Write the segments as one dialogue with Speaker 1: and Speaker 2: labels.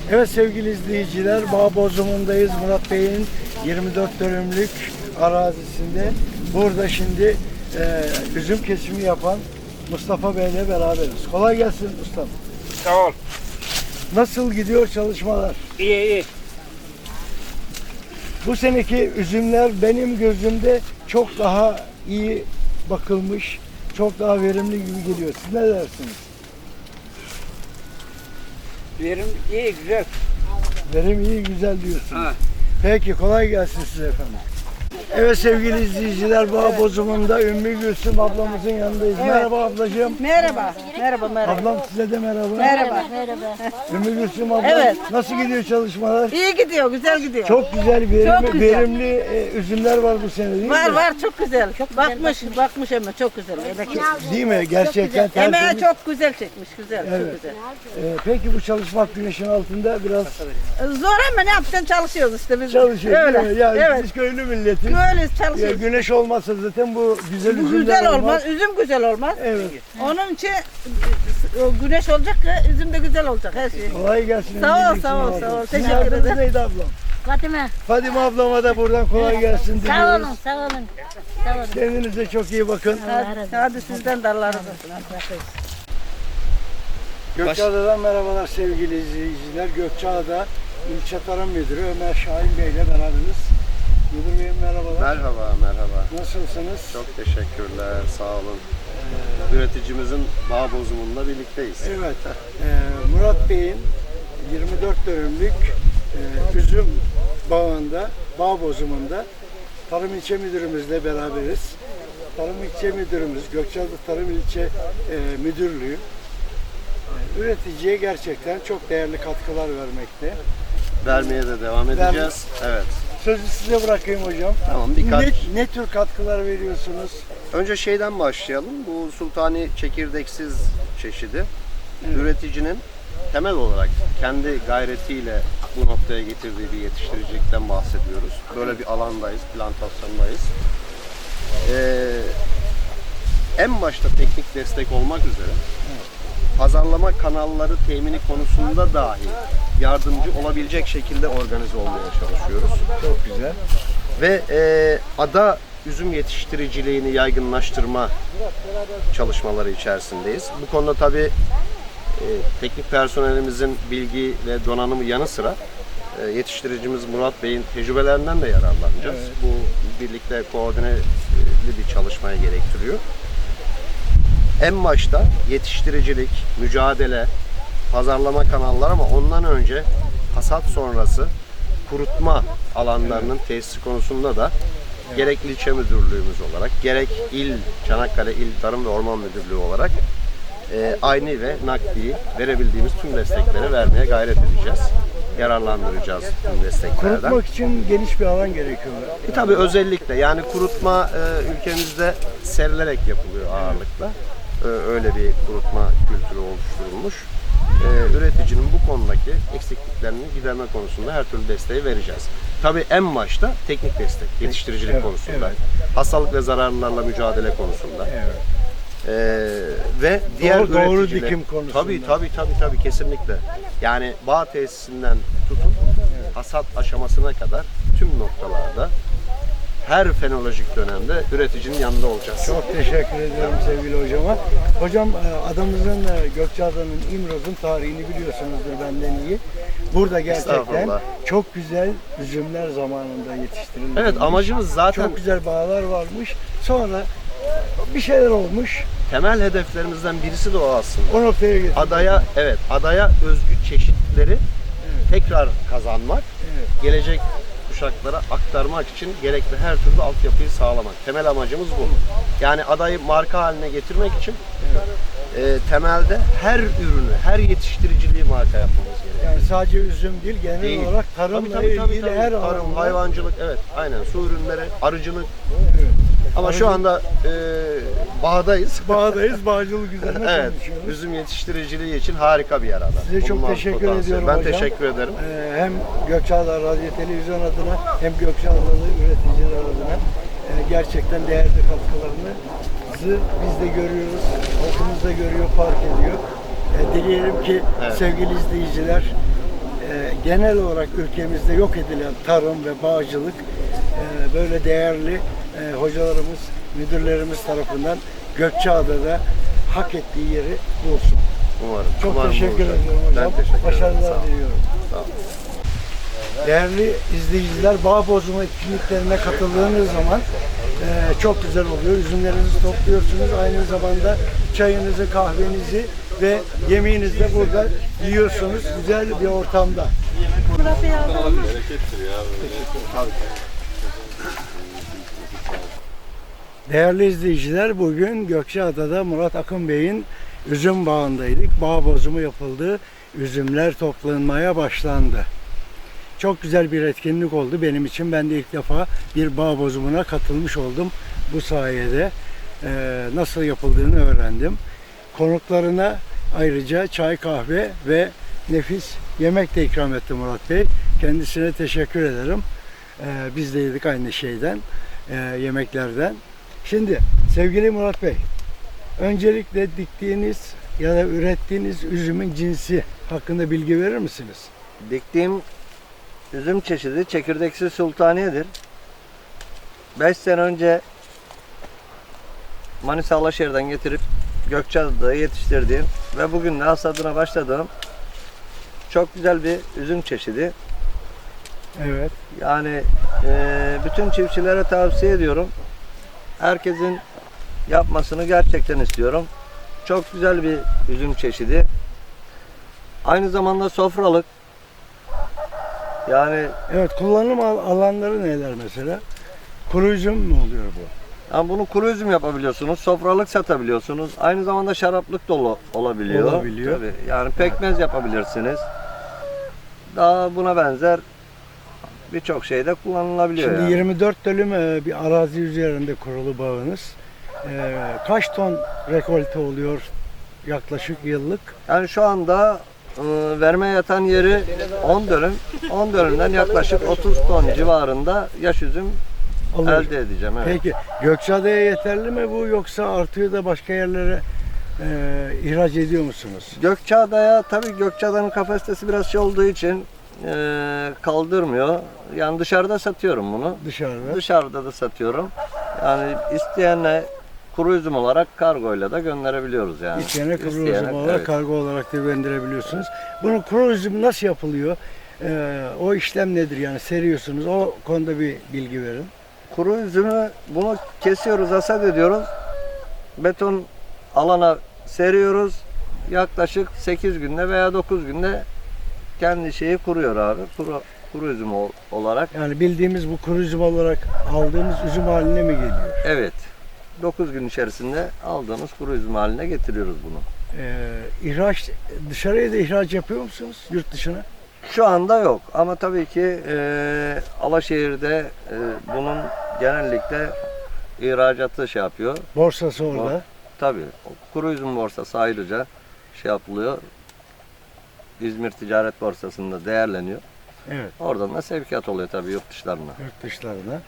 Speaker 1: Evet sevgili izleyiciler, Bağ Bozumundayız. Murat Bey'in 24 dönümlük arazisinde. Burada şimdi üzüm kesimi yapan Mustafa Bey'le beraberiz. Kolay gelsin Mustafa.
Speaker 2: Sağ ol.
Speaker 1: Nasıl gidiyor çalışmalar?
Speaker 2: İyi iyi.
Speaker 1: Bu seneki üzümler benim gözümde çok daha iyi bakılmış, çok daha verimli gibi geliyor. Siz ne dersiniz?
Speaker 2: Verim iyi güzel.
Speaker 1: Verim iyi, güzel diyorsunuz.
Speaker 2: Ha.
Speaker 1: Peki, kolay gelsin size efendim. Evet sevgili izleyiciler, Bağ Bozumunda Ümmü Gülsüm ablamızın yanındayız.
Speaker 3: Evet.
Speaker 1: Merhaba ablacığım.
Speaker 3: Merhaba. Merhaba.
Speaker 1: Ablam size de merhaba.
Speaker 3: Merhaba.
Speaker 1: Ümmü Gülsüm abla,
Speaker 3: Evet.
Speaker 1: nasıl gidiyor çalışmalar?
Speaker 3: İyi gidiyor, güzel gidiyor.
Speaker 1: Çok güzel,
Speaker 3: Çok güzel.
Speaker 1: verimli üzümler var bu sene değil mi?
Speaker 3: Var çok güzel. Bakmış ama çok güzel. Emek.
Speaker 1: Değil mi? Gerçekten
Speaker 3: Emeği
Speaker 1: tertemiz.
Speaker 3: çok güzel çekmiş, güzel,
Speaker 1: Evet.
Speaker 3: çok güzel.
Speaker 1: Peki bu çalışmak güneşin altında biraz
Speaker 3: Zor ama ne yapacaksın, çalışıyoruz işte biz.
Speaker 1: çalışıyor
Speaker 3: Öyle.
Speaker 1: değil mi? Yani
Speaker 3: Evet.
Speaker 1: biz köylü milletiz.
Speaker 3: Böyle
Speaker 1: Ya,
Speaker 3: çalışıyoruz.
Speaker 1: güneş olmazsa zaten bu güzel
Speaker 3: Bu
Speaker 1: üzümler
Speaker 3: güzel
Speaker 1: olmaz.
Speaker 3: olmaz, üzüm güzel olmaz.
Speaker 1: Evet.
Speaker 3: Onun için o güneş olacak ki üzüm de güzel olacak her şey.
Speaker 1: Kolay gelsin.
Speaker 3: Sağ ol,
Speaker 1: Ümmü Gülsüm
Speaker 3: sağ ol,
Speaker 1: abla.
Speaker 3: sağ ol.
Speaker 1: Sizin
Speaker 3: Teşekkür
Speaker 1: adınız
Speaker 3: ederim.
Speaker 1: neydi ablam?
Speaker 4: Fatime.
Speaker 1: Fadime ablama da buradan kolay gelsin
Speaker 4: Sağ
Speaker 1: diliyoruz.
Speaker 4: olun, sağ olun. Sağ olun.
Speaker 1: Kendinize çok iyi bakın.
Speaker 3: Hadi sizden de Allah razı olsun.
Speaker 1: Gökçeada'dan merhabalar sevgili izleyiciler. Gökçeada İlçe Tarım Müdürü Ömer Şahin Bey ile beraberiz. Müdür Bey'im merhabalar.
Speaker 5: Merhaba.
Speaker 1: Nasılsınız?
Speaker 5: Çok teşekkürler, sağ olun. Üreticimizin Bağ Bozumunda birlikteyiz.
Speaker 1: Evet. Murat Bey'in 24 dönümlük üzüm bağında, Bağ Bozumunda Tarım İlçe Müdürümüzle beraberiz. Tarım İlçe Müdürümüz, Gökçeada Tarım İlçe Müdürlüğü üreticiye gerçekten çok değerli katkılar vermekte.
Speaker 5: Vermeye de devam edeceğiz. Evet.
Speaker 1: Sözü size bırakayım hocam.
Speaker 5: Tamam, birkaç.
Speaker 1: Ne tür katkılar veriyorsunuz?
Speaker 5: Önce şeyden başlayalım. Bu sultani çekirdeksiz çeşidi.
Speaker 1: Evet.
Speaker 5: Üreticinin temel olarak kendi gayretiyle bu noktaya getirdiği bir yetiştiricilikten bahsediyoruz. Böyle bir alandayız, plantasyondayız. En başta teknik destek olmak üzere pazarlama kanalları temini konusunda dahi yardımcı olabilecek şekilde organize olmaya çalışıyoruz.
Speaker 1: Çok güzel.
Speaker 5: Ve ada üzüm yetiştiriciliğini yaygınlaştırma çalışmaları içerisindeyiz. Bu konuda tabii teknik personelimizin bilgi ve donanımı yanı sıra yetiştiricimiz Murat Bey'in tecrübelerinden de yararlanacağız.
Speaker 1: Evet.
Speaker 5: Bu birlikte koordineli bir çalışmaya gerektiriyor. En başta yetiştiricilik, mücadele, pazarlama kanalları ama ondan önce hasat sonrası kurutma alanlarının tesisi konusunda da gerek ilçe müdürlüğümüz olarak, gerek Çanakkale İl Tarım ve Orman Müdürlüğü olarak ayni ve nakdi verebildiğimiz tüm destekleri vermeye gayret edeceğiz. Yararlandıracağız tüm desteklerden.
Speaker 1: Kurutmak için geniş bir alan gerekiyor.
Speaker 5: Tabii özellikle yani kurutma ülkemizde serilerek yapılıyor ağırlıkla. Öyle bir kurutma kültürü oluşturulmuş. Üreticinin bu konudaki eksikliklerini giderme konusunda her türlü desteği vereceğiz. Tabii en başta teknik destek, yetiştiricilik
Speaker 1: Evet,
Speaker 5: konusunda,
Speaker 1: evet.
Speaker 5: hastalık ve zararlarla mücadele konusunda.
Speaker 1: Evet.
Speaker 5: Ve diğer
Speaker 1: Doğru
Speaker 5: üreticiler-
Speaker 1: dikim konusunda.
Speaker 5: Tabii kesinlikle. Yani bağ tesisinden tutun hasat aşamasına kadar tüm noktalarda her fenolojik dönemde üreticinin yanında olacağız.
Speaker 1: Çok teşekkür ediyorum sevgili hocama. Hocam adamızın Gökçeada'nın İmroz'un tarihini biliyorsunuzdur benden iyi. Burada gerçekten
Speaker 5: Estağfurullah.
Speaker 1: çok güzel üzümler zamanında yetiştirilmiş.
Speaker 5: Evet, amacımız zaten
Speaker 1: Çok güzel bağlar varmış. Sonra bir şeyler olmuş.
Speaker 5: temel hedeflerimizden birisi de o aslında.
Speaker 1: O noktaya getirdik.
Speaker 5: Adaya özgü çeşitleri tekrar kazanmak,
Speaker 1: Evet.
Speaker 5: gelecek kuşaklara aktarmak için gerekli her türlü altyapıyı sağlamak. Temel amacımız bu. Yani adayı marka haline getirmek için temelde her ürünü, her yetiştiriciliği marka yapmamız gerekiyor.
Speaker 1: Yani sadece üzüm değil, genel
Speaker 5: Değil.
Speaker 1: olarak tarımla ilgili her
Speaker 5: Tarım,
Speaker 1: alanda.
Speaker 5: hayvancılık, evet, aynen, su ürünleri, arıcılık.
Speaker 1: Evet.
Speaker 5: Ama şu anda bağdayız.
Speaker 1: Bağdayız, bağcılık üzerine
Speaker 5: Evet,
Speaker 1: konuşuyoruz.
Speaker 5: üzüm yetiştiriciliği için harika bir yer ada.
Speaker 1: Size çok
Speaker 5: Bulunmaz
Speaker 1: teşekkür
Speaker 5: potansiyel.
Speaker 1: ediyorum
Speaker 5: Ben
Speaker 1: hocam.
Speaker 5: teşekkür ederim.
Speaker 1: Hem Gökçeada Radyo Televizyon adına hem Gökçeada'lı üreticiler adına gerçekten değerli katkılarınızı biz de görüyoruz, halkımız da görüyor, fark ediyor. Dileyelim ki
Speaker 5: Evet.
Speaker 1: sevgili izleyiciler genel olarak ülkemizde yok edilen tarım ve bağcılık böyle değerli hocalarımız, müdürlerimiz tarafından Gökçeada'da hak ettiği yeri bulsun.
Speaker 5: Umarım.
Speaker 1: Çok
Speaker 5: Umarım
Speaker 1: teşekkür
Speaker 5: olacak.
Speaker 1: ediyorum hocam.
Speaker 5: Ben teşekkür ederim. Sağ
Speaker 1: Başarılar
Speaker 5: olun.
Speaker 1: diliyorum.
Speaker 5: Sağ olun.
Speaker 1: Değerli izleyiciler, bağ bozma etkinliklerine katıldığınız zaman çok güzel oluyor. Üzümlerinizi topluyorsunuz. Aynı zamanda çayınızı, kahvenizi ve yemeğinizi de burada yiyorsunuz. Güzel bir ortamda.
Speaker 3: Murat Bey aldı mı?
Speaker 1: Değerli izleyiciler, bugün Gökçeada'da Murat Akın Bey'in üzüm bağındaydık. Bağ bozumu yapıldı. Üzümler toplanmaya başlandı. Çok güzel bir etkinlik oldu benim için. Ben de ilk defa bir bağ bozumuna katılmış oldum. Bu sayede nasıl yapıldığını öğrendim. Konuklarına ayrıca çay, kahve ve nefis yemek de ikram etti Murat Bey. Kendisine teşekkür ederim. Biz de yedik aynı şeyden, yemeklerden. Şimdi sevgili Murat Bey, öncelikle diktiğiniz ya da ürettiğiniz üzümün cinsi hakkında bilgi verir misiniz?
Speaker 6: Diktiğim üzüm çeşidi çekirdeksiz sultaniyedir. 5 sene önce Manisa Alaşehir'den getirip Gökçeada'da yetiştirdiğim ve bugün de hasadına başladığım çok güzel bir üzüm çeşidi.
Speaker 1: Evet.
Speaker 6: Yani bütün çiftçilere tavsiye ediyorum. Herkesin yapmasını gerçekten istiyorum. Çok güzel bir üzüm çeşidi. Aynı zamanda sofralık. Yani
Speaker 1: Evet, kullanım alanları neler mesela? Kuru üzüm mü oluyor bu?
Speaker 6: Yani bunu kuru üzüm yapabiliyorsunuz, sofralık satabiliyorsunuz. Aynı zamanda şaraplık da olabiliyor.
Speaker 1: Olabiliyor.
Speaker 6: Tabii. Yani pekmez yapabilirsiniz. Daha buna benzer birçok şeyde kullanılabiliyor.
Speaker 1: Şimdi
Speaker 6: yani.
Speaker 1: 24 dönüm bir arazi üzerinde kurulu bağınız. Kaç ton rekolte oluyor yaklaşık yıllık?
Speaker 6: Yani şu anda verme yatan yeri 10 dönüm. 10 dönümden yaklaşık 30 ton civarında yaş üzüm
Speaker 1: Alıyor.
Speaker 6: elde edeceğim. Evet.
Speaker 1: Peki Gökçeada'ya yeterli mi bu, yoksa artıyor da başka yerlere ihraç ediyor musunuz?
Speaker 6: Gökçeada'ya tabii Gökçeada'nın kapasitesi biraz şey olduğu için kaldırmıyor. Yani dışarıda satıyorum bunu.
Speaker 1: Dışarıda.
Speaker 6: Dışarıda da satıyorum. Yani isteyenle kuru üzüm olarak kargoyla da gönderebiliyoruz yani.
Speaker 1: İsteyene kuru üzüm
Speaker 6: İsteyene,
Speaker 1: olarak
Speaker 6: evet.
Speaker 1: kargo olarak da gönderebiliyorsunuz. Bunun kuru üzüm nasıl yapılıyor? O işlem nedir yani, seriyorsunuz? O konuda bir bilgi verin.
Speaker 6: Kuru üzümü bunu kesiyoruz, hasat ediyoruz. Beton alana seriyoruz. Yaklaşık 8 günde veya 9 günde kendi şeyi kuruyor abi. Kuru üzüm olarak.
Speaker 1: Yani bildiğimiz bu kuru üzüm olarak aldığımız üzüm haline mi geliyor?
Speaker 6: Evet. 9 gün içerisinde aldığımız kuru üzüm haline getiriyoruz bunu.
Speaker 1: İhraç, dışarıya da ihraç yapıyor musunuz, yurt dışına?
Speaker 6: Şu anda yok ama tabii ki Alaşehir'de bunun genellikle ihracatı şey yapıyor.
Speaker 1: Borsası orada.
Speaker 6: Tabii o kuru üzüm borsası ayrıca şey yapılıyor. İzmir Ticaret Borsası'nda değerleniyor.
Speaker 1: Evet,
Speaker 6: Oradan da sevkiyat oluyor tabii yurt dışlarına.
Speaker 1: yurt dışlarına.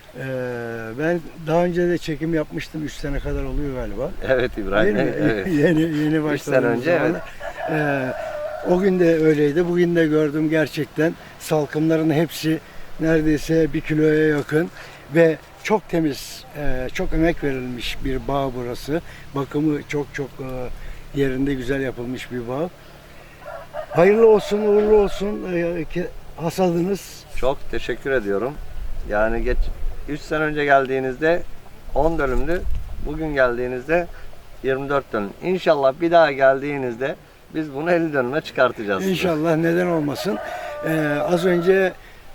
Speaker 1: Ben daha önce de çekim yapmıştım, 3 sene kadar oluyor galiba.
Speaker 6: Evet İbrahim
Speaker 1: Değil
Speaker 6: Bey.
Speaker 1: mi?
Speaker 6: Evet.
Speaker 1: Yeni
Speaker 6: 3
Speaker 1: başladığımız
Speaker 6: sene önce
Speaker 1: zaman.
Speaker 6: evet.
Speaker 1: O gün de öyleydi. Bugün de gördüm gerçekten. Salkımların hepsi neredeyse 1 kiloya yakın ve çok temiz, çok emek verilmiş bir bağ burası. Bakımı çok yerinde, güzel yapılmış bir bağ. Hayırlı olsun, uğurlu olsun hasadınız.
Speaker 6: Çok teşekkür ediyorum. Yani 3 sene önce geldiğinizde 10 dönümdü. Bugün geldiğinizde 24 dönüm. İnşallah bir daha geldiğinizde biz bunu 50 dönüme çıkartacağız.
Speaker 1: İnşallah, neden olmasın. Az önce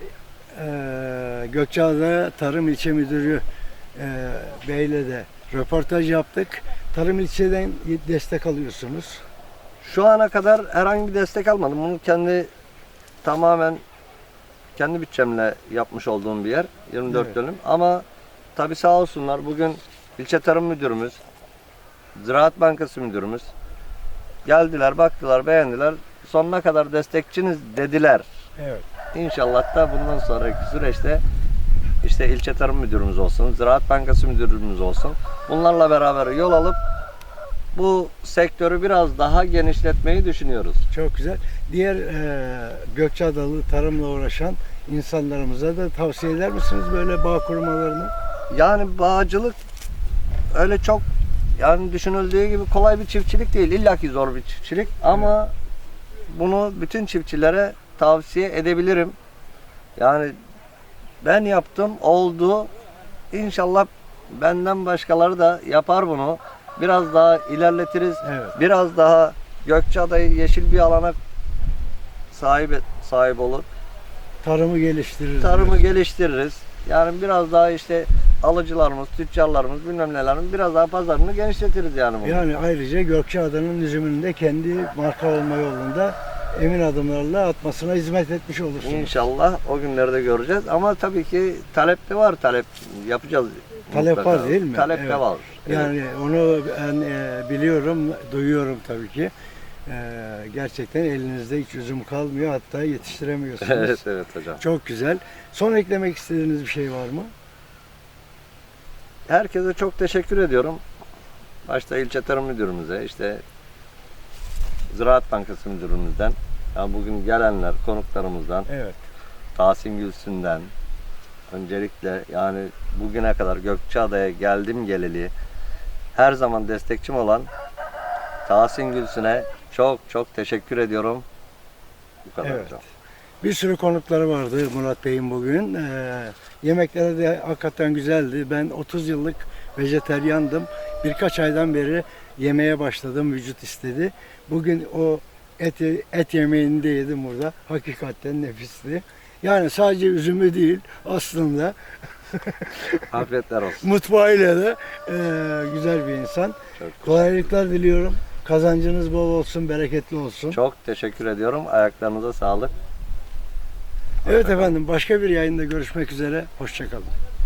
Speaker 1: Gökçeada Tarım İlçe Müdürü Bey'le de röportaj yaptık. Tarım ilçeden destek alıyorsunuz.
Speaker 6: Şu ana kadar herhangi bir destek almadım. Bunu tamamen kendi bütçemle yapmış olduğum bir yer. 24
Speaker 1: Evet.
Speaker 6: dönüm. Ama tabii sağ olsunlar bugün ilçe tarım müdürümüz, Ziraat Bankası müdürümüz geldiler, baktılar, beğendiler. Sonuna kadar destekçiniz dediler.
Speaker 1: Evet.
Speaker 6: İnşallah da bundan sonraki süreçte işte ilçe tarım müdürümüz olsun, Ziraat Bankası müdürümüz olsun. Bunlarla beraber yol alıp bu sektörü biraz daha genişletmeyi düşünüyoruz.
Speaker 1: Çok güzel. Diğer Gökçeadalı tarımla uğraşan insanlarımıza da tavsiye eder misiniz böyle bağ kurmalarını?
Speaker 6: Yani bağcılık öyle çok yani düşünüldüğü gibi kolay bir çiftçilik değil. İlla ki zor bir çiftçilik ama bunu bütün çiftçilere tavsiye edebilirim. Yani ben yaptım, oldu. İnşallah benden başkaları da yapar bunu. Biraz daha ilerletiriz.
Speaker 1: Evet.
Speaker 6: Biraz daha Gökçeada'yı yeşil bir alana sahip olur.
Speaker 1: Tarımı geliştiririz.
Speaker 6: Tarımı
Speaker 1: diyorsun.
Speaker 6: geliştiririz. Yani biraz daha işte alıcılarımız, tüccarlarımız bilmem nelerin biraz daha pazarını genişletiriz yani bunu.
Speaker 1: Yani ayrıca Gökçeada'nın üzümünün de kendi marka olma yolunda emin adımlarla atmasına hizmet etmiş olursunuz.
Speaker 6: İnşallah o günleri de göreceğiz ama tabii ki talep de var, talep yapacağız.
Speaker 1: Talep
Speaker 6: mutlaka.
Speaker 1: var değil mi?
Speaker 6: Talep
Speaker 1: Evet.
Speaker 6: de var. Evet.
Speaker 1: Yani onu ben biliyorum, duyuyorum tabii ki. Gerçekten elinizde hiç üzüm kalmıyor, hatta yetiştiremiyorsunuz.
Speaker 6: Evet evet hocam.
Speaker 1: Çok güzel. Son eklemek istediğiniz bir şey var mı?
Speaker 6: Herkese çok teşekkür ediyorum. Başta ilçe tarım müdürümüze, işte Ziraat Bankası müdürümüzden, yani bugün gelenler, konuklarımızdan,
Speaker 1: Evet.
Speaker 6: Tahsin Gülsün'den, öncelikle yani bugüne kadar Gökçeada'ya geldim geleli her zaman destekçim olan Tahsin Gülsün'e çok teşekkür ediyorum. Bu kadar
Speaker 1: Evet.
Speaker 6: hocam.
Speaker 1: Bir sürü konukları vardı Murat Bey'in bugün. Yemekleri de hakikaten güzeldi. Ben 30 yıllık vejeteryandım. Birkaç aydan beri yemeye başladım. Vücut istedi. Bugün o et yemeğini de yedim burada. Hakikaten nefisti. Yani sadece üzümü değil aslında
Speaker 6: Afiyetler olsun.
Speaker 1: mutfağıyla da güzel bir insan.
Speaker 6: Çok,
Speaker 1: Kolaylıklar diliyorum. Kazancınız bol olsun, bereketli olsun.
Speaker 6: çok teşekkür ediyorum. Ayaklarınıza sağlık.
Speaker 1: Evet efendim, başka bir yayında görüşmek üzere. Hoşçakalın.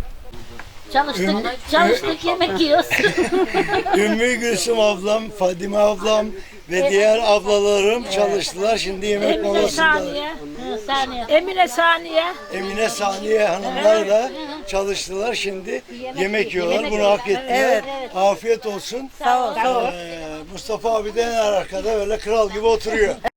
Speaker 4: Çalıştık yemek yiyoruz.
Speaker 1: Ümmü Gülsüm ablam, Fadime ablam ve diğer ablalarım çalıştılar. Şimdi yemek
Speaker 4: Emine
Speaker 1: molasında.
Speaker 4: Saniye. Emine Saniye.
Speaker 1: Emine Saniye hanımlar da çalıştılar. Şimdi yemek yiyorlar. Bunu hak ettiler. Afiyet olsun.
Speaker 3: Sağ ol.
Speaker 1: Mustafa abi de en arkada öyle kral gibi oturuyor.